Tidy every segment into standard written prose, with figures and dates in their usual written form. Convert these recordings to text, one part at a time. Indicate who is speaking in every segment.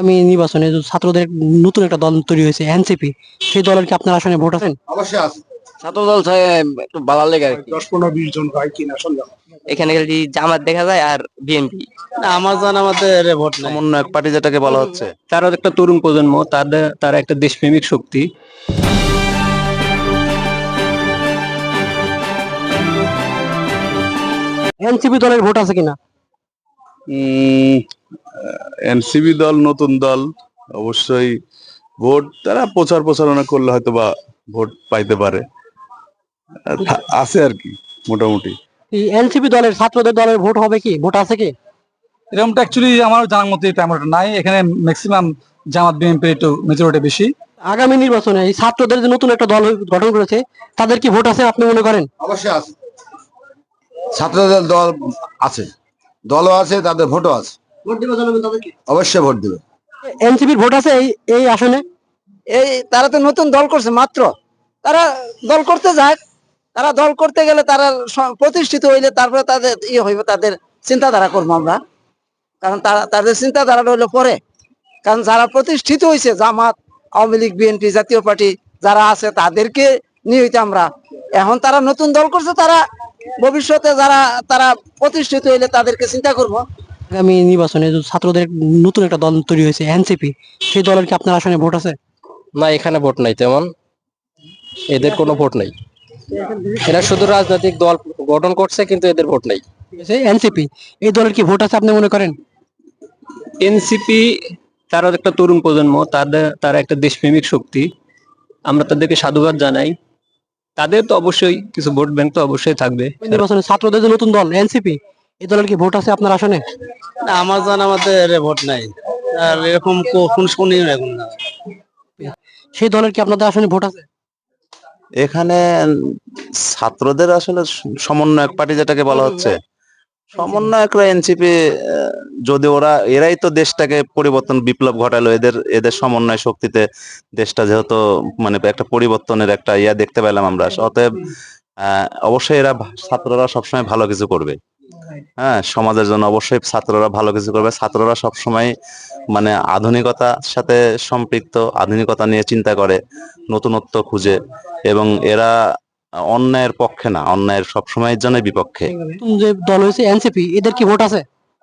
Speaker 1: আগামী নির্বাচনে যে ছাত্রদের নতুন একটা দল তৈরি হয়েছে এনসিপি, সেই দলের কি আপনার আসনে ভোট আছেন?
Speaker 2: অবশ্যই আছে।
Speaker 3: ছাত্র দল একটু ভালো লাগে আর কি।
Speaker 2: 10-15-20 জন হয় কিনা সন্দেহ।
Speaker 3: এখানে খালি জামাত দেখা যায় আর বিএনপি।
Speaker 4: আমার জানামতের ভোট নাই।
Speaker 5: সমন্বয়ক পার্টি যেটাকে বলা হচ্ছে,
Speaker 4: তারা একটা তরুণ প্রজন্ম, তারা একটা দেশপ্রেমিক শক্তি।
Speaker 1: এনসিপি দলের ভোট আছে কিনা?
Speaker 5: এনসিপি দল নতুন দল, অবশ্যই ভোট তারা প্রচার প্রচারণা করলে হয়তো বা ভোট পাইতে পারে, আছে আর কি মোটামুটি।
Speaker 1: এই এনসিপি দলের ছাত্রদের দলের ভোট হবে কি, ভোট আছে কি?
Speaker 6: এরকমটা অ্যাকচুয়ালি আমার জানার মতে তেমন একটা নাই। এখানে ম্যাক্সিমাম জামাত বিএনপি একটু মেজরিটি বেশি।
Speaker 1: আগামী নির্বাচনে এই ছাত্রদের যে নতুন একটা দল গঠন করেছে, তাদের কি ভোট আছে আপনি মনে করেন?
Speaker 2: অবশ্যই আছে। ছাত্রদের দল আছে, দলও আছে, তাদের ভোটও আছে।
Speaker 1: ভোট দিবে জনগণ তাদেরকে?
Speaker 2: অবশ্যই ভোট দিবে।
Speaker 1: এনসিপির ভোট আছে এই আসনে?
Speaker 3: এই তারা তো নতুন দল করছে মাত্র, তারা দল করতে যায়, তারা দল করতে গেলে তারা প্রতিষ্ঠিত হইলে তারপরে তাদের হইবে, তাদের চিন্তাধারা করবো আমরা। কারণ তাদের চিন্তাধারাটা হইলো পরে। কারণ যারা প্রতিষ্ঠিত হয়েছে, Jamaat, Awami League, BNP, Jatiya Party যারা আছে, তাদেরকে নিয়ে হইতে আমরা। এখন তারা নতুন দল করছে, তারা ভবিষ্যতে তারা প্রতিষ্ঠিত হইলে তাদেরকে চিন্তা করব।
Speaker 1: আগামী নির্বাচনে যে ছাত্রদের নতুন একটা দল তৈরি হয়েছে এনসিপি, সেই দলের কি আপনার আসনে ভোট আছে?
Speaker 4: না, এখানে ভোট নাই তেমন, এদের কোনো ভোট নাই। এরা শুধু রাজনৈতিক দল গঠন করছে, কিন্তু এদের ভোট নাই।
Speaker 1: এনসিপি, এই দলের কি ভোট আছে আপনি মনে করেন?
Speaker 4: এনসিপি তারা একটা তরুণ প্রজন্ম, তারা একটা দেশপ্রেমিক শক্তি। আমরা তাদেরকে সাধুবাদ জানাই। তাদের তো অবশ্যই কিছু ভোট ব্যাংক তো অবশ্যই থাকবে।
Speaker 1: নির্বাচনে ছাত্রদের যে নতুন দল এনসিপি, এই দলের কি ভোট আছে আপনার আসনে?
Speaker 4: না, আমার জানামতের ভোট নাই। আর এরকম কোন শুনি এখন না।
Speaker 1: সেই দলের কি আপনাদের আসনে ভোট আছে?
Speaker 5: এখানে ছাত্রদের আসলে সমন্বয়ক পার্টি যেটাকে বলা হচ্ছে, সমন্বয়করা এনসিপি, যদি এরাই তো দেশটাকে পরিবর্তন বিপ্লব ঘটালো, এদের সমন্বয় শক্তিতে দেশটা যেহেতু মানে একটা পরিবর্তনের একটা দেখতে পেলাম আমরা, অতএব অবশ্যই এরা ছাত্ররা সবসময় ভালো কিছু করবে। হ্যাঁ, সমাজের জন্য অবশ্যই ছাত্ররা ভালো কিছু করবে। ছাত্ররা সবসময় মানে আধুনিকতার সাথে সম্পৃক্ত, আধুনিকতা নিয়ে চিন্তা করে, নতুনত্ব খুঁজে, এবং এরা অন্যায়ের পক্ষে না, অন্যায়ের সবসময়ের জন্য বিপক্ষে।
Speaker 1: নতুন যে দল হয়েছে এনসিপি, এদের কি ভোট আছে?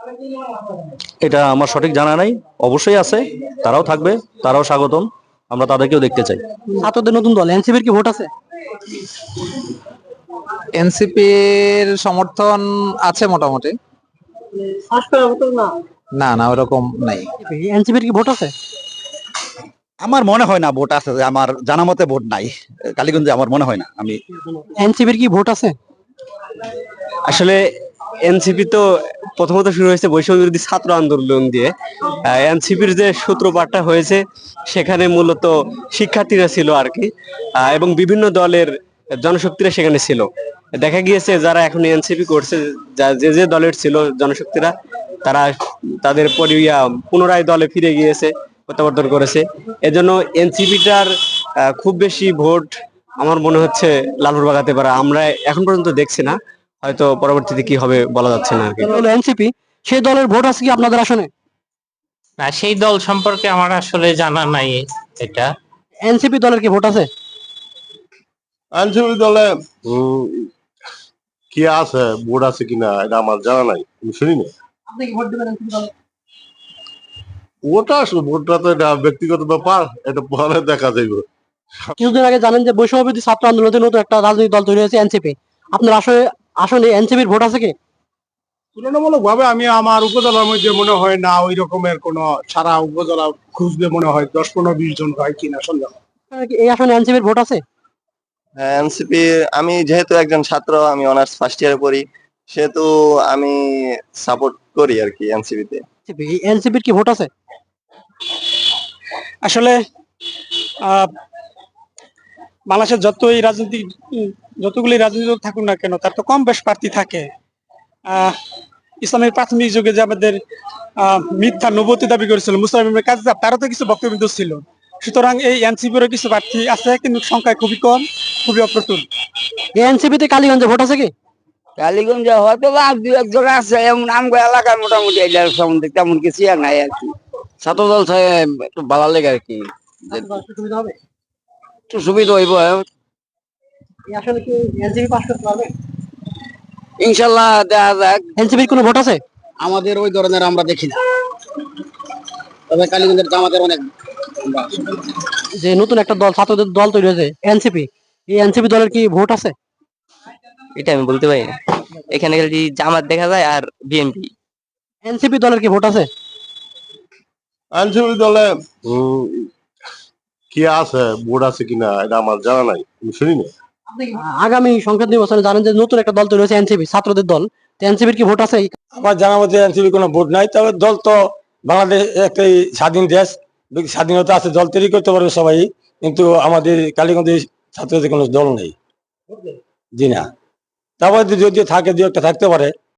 Speaker 4: এটা আমার সঠিক জানা নাই, অবশ্যই আছে, তারাও থাকবে, তারাও স্বাগতম, আমরা তাদেরকেও দেখতে চাই।
Speaker 1: ছাত্রদের নতুন দল এনসিপির কি ভোট আছে?
Speaker 6: এনসিপির সমর্থন আছে মোটামুটি। না না, ওরকম নাই।
Speaker 1: এনসিপির কি ভোট আছে?
Speaker 7: আমার মনে হয় না ভোট আছে, আমার জানা মতে ভোট নাই কালীগঞ্জে, আমার মনে হয় না। আমি
Speaker 1: এনসিপির কি ভোট আছে?
Speaker 4: আসলে এনসিপি তো প্রথমত শুরু হয়েছে বৈষম্য বিরোধী ছাত্র আন্দোলন দিয়ে। এনসিপির যে সূত্রপাতটা হয়েছে, সেখানে মূলত শিক্ষার্থীরা ছিল আর কি, এবং বিভিন্ন দলের জনশক্তিরা সেখানে ছিল। দেখা গিয়েছে যারা এখন এনসিপি করছে, যে যে দলের ছিল জনশক্তিরা, তারা তাদের পুনরায় দলে ফিরে গিয়েছে, প্রত্যাবর্তন করেছে। এজন্য এনসিপিটার খুব বেশি ভোট আমার মনে হচ্ছে লালুর বাগাতে পারে, আমরা এখন পর্যন্ত দেখছি না, হয়তো পরবর্তীতে কি হবে বলা যাচ্ছে না আর কি।
Speaker 1: এনসিপি, সেই দলের ভোট আছে কি আপনাদের আসনে?
Speaker 8: না, সেই দল সম্পর্কে আমার আসলে জানা নাই এটা।
Speaker 1: এনসিপি দলের কি ভোট আছে?
Speaker 2: এনসিপি দলে কি আছে, ভোট আছে কিনা এটা আমার জানা নাই, আমি শুনি না।
Speaker 1: আপনি কি ভোট দিবেন এনসিপি দলে?
Speaker 2: ভোটটা তো এটা ব্যক্তিগত ব্যাপার, এটা পরে দেখা যাইবে।
Speaker 1: কিছুদিন আগে জানেন যে বৈষম্য বিরোধী ছাত্র আন্দোলনের নতুন একটা রাজনৈতিক দল তৈরি হয়েছে এনসিপি, আপনার আসলে এনসিপির ভোট আছে কি?
Speaker 2: তুলনামূলক ভাবে আমি আমার উপজেলার মধ্যে মনে হয় না ওই রকমের কোন, সারা উপজেলা খুঁজলে মনে হয় 10-15-20 জন হয় কিনা সন্দেহ।
Speaker 1: এই আসনে এনসিপির ভোট আছে?
Speaker 9: হ্যাঁ, এনসিপি, আমি যেহেতু একজন ছাত্র, আমি অনার্স ফার্স্ট ইয়ারে পড়ি, সেহেতু আমি সাপোর্ট করি আর কি এনসিপিতে।
Speaker 1: এনসিপির কি ভোট আছে?
Speaker 6: আসলে বাংলাদেশের যতগুলি রাজনীতি থাকুক না কেন, তার তো কম বেশ প্রার্থী থাকে। ইসলামের প্রাথমিক যুগে যে আমাদের মিথ্যা নবুয়তি দাবি করেছিল মুসলিমের কাছে, তারও তো কিছু বক্তব্য ছিল। সুতরাং এই এনসিপিরও কিছু প্রার্থী আছে, কিন্তু সংখ্যায় খুবই কম, খুবই অপ্রতুল।
Speaker 1: এনসিপিতে কালীগঞ্জে ভোট আছে কি?
Speaker 3: কালীগঞ্জে হয়তো বা দু একজন আছে, এমন আমগো এলাকার মোটামুটি এটার সম্বন্ধে তেমন কিছু আর নাই আর কি। ছাত্র দল একটু ভালো লাগে আর কি,
Speaker 1: ছাত্র দল আসলে সুবিধা হবে?
Speaker 3: একটু সুবিধা হইব।
Speaker 1: এই আসলে কি এনসিপি পাস করতে পারবে?
Speaker 3: ইনশাল্লাহ দেখা যাক।
Speaker 1: এনসিপির কোনো ভোট আছে?
Speaker 3: আমাদের ওই ধরনের আমরা দেখি না, তবে কালীগঞ্জের জামাতের অনেক
Speaker 1: যে নতুন একটা দল ছাত্রদের দল তৈরি হয়েছে এনসিপি, এই এনসিপি দলের কি ভোট আছে?
Speaker 4: এটা আমি বলতে পারি না, এখানে খালি জামাত দেখা যায় আর বিএনপি।
Speaker 1: এনসিপি দলের কি ভোট আছে?
Speaker 2: এনসিপি দলে কি আছে, বোর্ড আছে কিনা এটা আমার জানা নাই, আমি শুনি না।
Speaker 1: আগামী সংসদ নির্বাচনে জানেন যে নতুন একটা দল তৈরি হয়েছে এনসিপি, ছাত্রদের দল। এনসিপির কি ভোট আছে?
Speaker 6: আমার জানা মতে এনসিপি কোনো ভোট নাই, তবে দল তো বাংলাদেশ একটা স্বাধীন দেশ, স্বাধীনতা আছে, দল তৈরি করতে পারবে সবাই, কিন্তু আমাদের কালীগঞ্জের ছাত্রদের কোনো দল নেই। জি না, তারপরে যদি থাকে দু একটা থাকতে পারে।